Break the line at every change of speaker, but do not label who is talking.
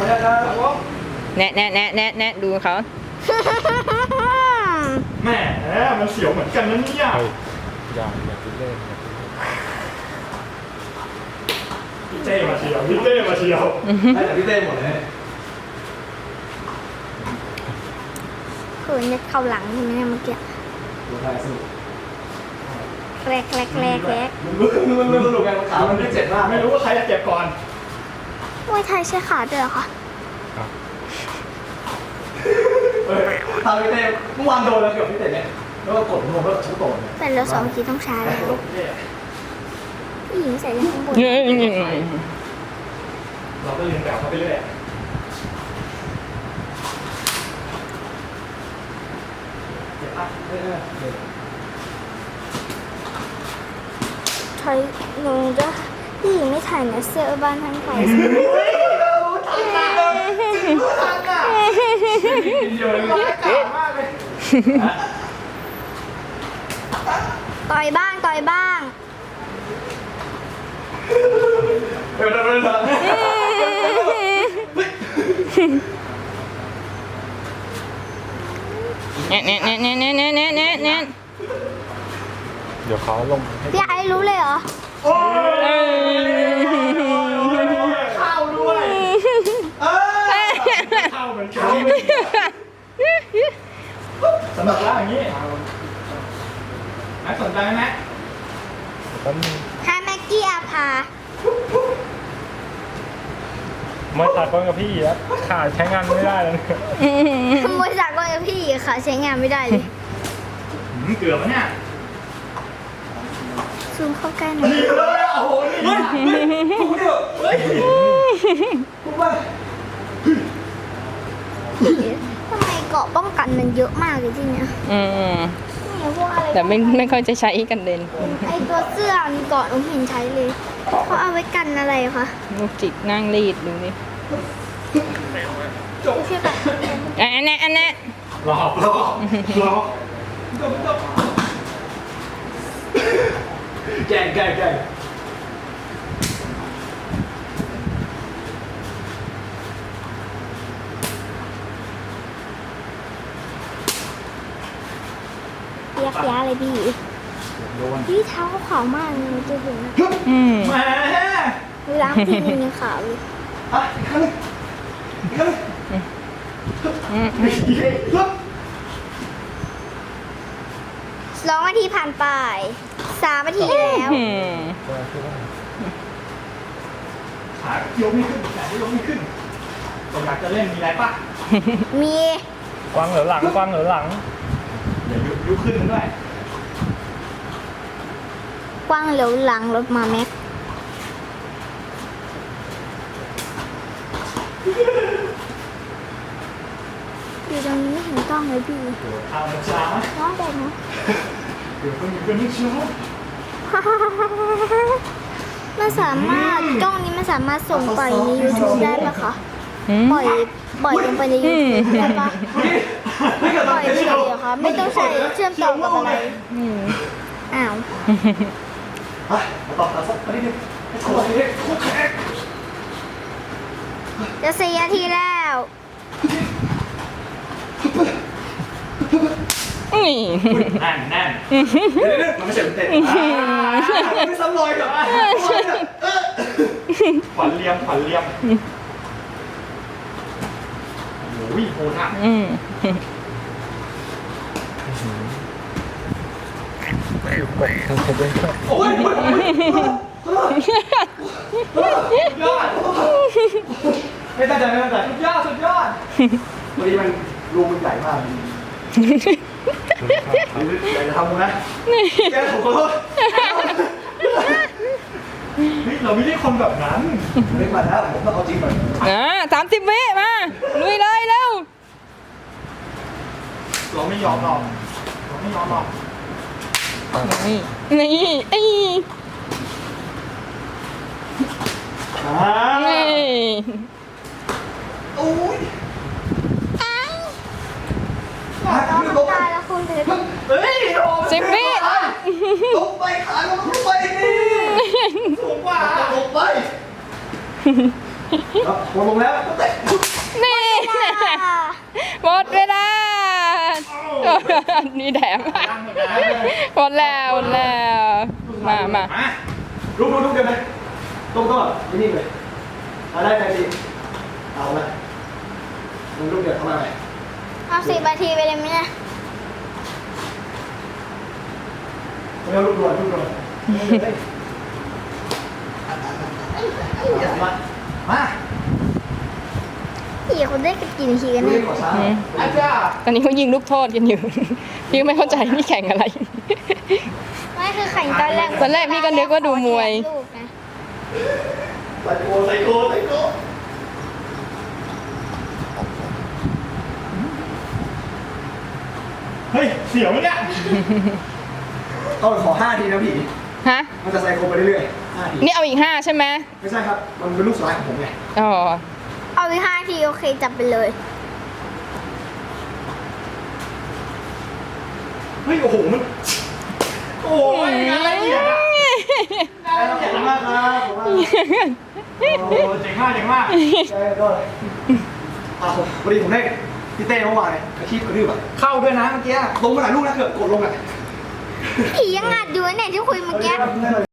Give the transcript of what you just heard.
แนะดูเขา
แม่มันเสียวเหมือนกันนะเนี่ย
อย่าคิดเล่น
พี่เต้มาเชียวพี่เต้มาเชียวให้แต่พี่เต้หมดเลย
คือเนี่ยเข้าหลังใช่ไหมเนี่ยเมื่อกี้
ดูได้สนุก
แรก
มันสนุกไงขามันไม่เจ็บมากไม่รู้ว่าใครจะเจ็บก่อน
มวยไทยใช้ขาด้วยเหรอคะ
ทำพี่เต้เมื่อวานโดนแล้วเกี่ยวพี่เต้เนี่ยแล้วก็กดนวมแล้วชุบโตน
แต่แล้ว2 ทีต้องใช้ผู้หญิงใส่ยังข้างบน
เราก็เรียนแบบเขาไปเรื่อยเจ็บปะ
ไทยหนูจะผู้หญิงไม่ถ่ายนะเสื้อบ้านทั้งไทย
เดี๋ยวร้ายกาจมากเลย
ต่อยบ้างต่อยบ้าง
เดี๋ยว
เดี๋ยวเขาลงให้
พี่ไอ้รู้เลยเหรอ
โอ้ยเข้าด้วยเข้าเหมือนกันสนุกแล้วอย่างนี้สนใจไหม
แป๊บนึง
ฮาแม็กกี้อาภา
มาตัดก้อนกับพี่แล้วขาดใช้งานไม่ได้แล้ว
ขโมยจากก้อนกับพี่ค่ะใช้งานไม่ได้เลย
เกือบแล้วเนี่ย
ซูมเข้าใกล้หน่อย
นี่เลยโอ้โหนี่พูดเถอะเฮ้ยพูดไป
ทำไมเกาะป้องกันมันเยอะมากเลยที่เนี้ยเนี่ยพวกอะไร
แต่ไม่ค่อยจะใช้กันเด่น
ไอตัวเสื้อมีเกาะหนูเห็นใช้เลยเขาเอาไว้กันอะไรคะ
ลูกจิกนั่งรีดดูนี่
ไม่ใช่แบบ
อันนี้
รอแกล้ง
เปียกเลยพี่พี่เท้าเขาขาวมากเลยจะเห็นนะ
แหม
ล้างทีนึงยังขาวเลย
อ่ะอีกครั้งนึง
2 นาทีผ่านไป3 นาทีแล้ว
ขายกไม่ขึ้นแต่ยกไม่ขึ้นผมอยากจะเล่นมีอะไรป่ะ
มี
กวางเหลือหลังกวางเหลือหลัง
เดี๋ยวยุบขึ้นมันด้วย
กว้างเหลียวหลังรถมาแม็กอยู่ตรงนี้ไม่เห็นกล้องเลยพี่
เอามันช้า
น้องแต่เนาะ
เดี๋ยวคนอยู่กันไม่ช้า
มันสามารถกล้องนี้มันสามารถส่งไปใน YouTube ได้ปะคะปล่อยลงไปใน YouTube ได้ปะปล่อยเฉยๆเหรอคะไม่ต้องใช้เชื่อมต่อกับอะไรอ้าว
มาตอบสักนิดนึงขวดนี้ขวดแขก
จะ4 นาทีแล้ว
แน่นมันไม่ใช่เต้นไม่ซ้ำรอยเหรอขวัญเลียมโอ้ยโหดอ่ะโอ้ยยอดไม่ตั้งใจสุดยอดวันนี้มันรูมันใหญ่มากอยากจะทำนะแกผมขอโทษเราไม่ได้คนแบบนั้นไม่มาแล้วผมต้องเอาจริงก่อน
30 วิมาลุยเลยเร็ว
เราไม่ยอมหรอก
นี่ไอ้
โอ้ย
น้องทำตายแล้วคุณถึง
เฮ้ย
10 วิ
ลงไปขาลงไปนี่สูงกว่าลงไปลงแล้วเตะ
นี่แถมหมดแล้วหมดแล้วมา
ลุกเดี๋ยวนะต้องแบบนี่เลยได้ใจดีเอาละลุกเดี๋ยวเข้ามาใหม่
เอา10 นาทีไปเลยไหมเนี่ย
เร็วลุกด่วนมา
พี่คนได้กันกี่นาทีกัน
ลุ
เนี่ย
ยขอช้าอาจารย์
ตอนนี้เขายิงลูกโทษกันอยู่ พี่ก็ไม่เข้าใจนี่แข่งอะไร
ไม่คือแข่งตอนแรก
ตอนแรกพี่ก็นึกว่าดูมวย
ลูกนะ
ใส่โก
เฮ้ยเสียวเนี่ย
ต้องขอ5 ทีนะพี่
ฮะ
มันจะใส่โกไปเรื่อยๆ5 ที
นี่เอาอีก5ใช่ไหม
ไม่ใช่ครับ มันเป็นลูกสุดท้ายของผมไง
อ๋อ
เอาไป5 ทีโอเคจับไปเลย
เฮ้ยโอ้โหมันโอ้ยงานละเอียดอะงานละเอียดมากครับผมว่า
โอ้เจ๋งมาก
ใช่ก็เลยพอดีผมได้พี่เต้เมื่อวานอาชีพกระดื้อแบบเข้าด้วยนะเมื่อกี้ลงมาหลายลูกนะเกือบกดลงอ่ะ
ผียังอัดอยู่เนี่ยที่คุยเมื่อกี้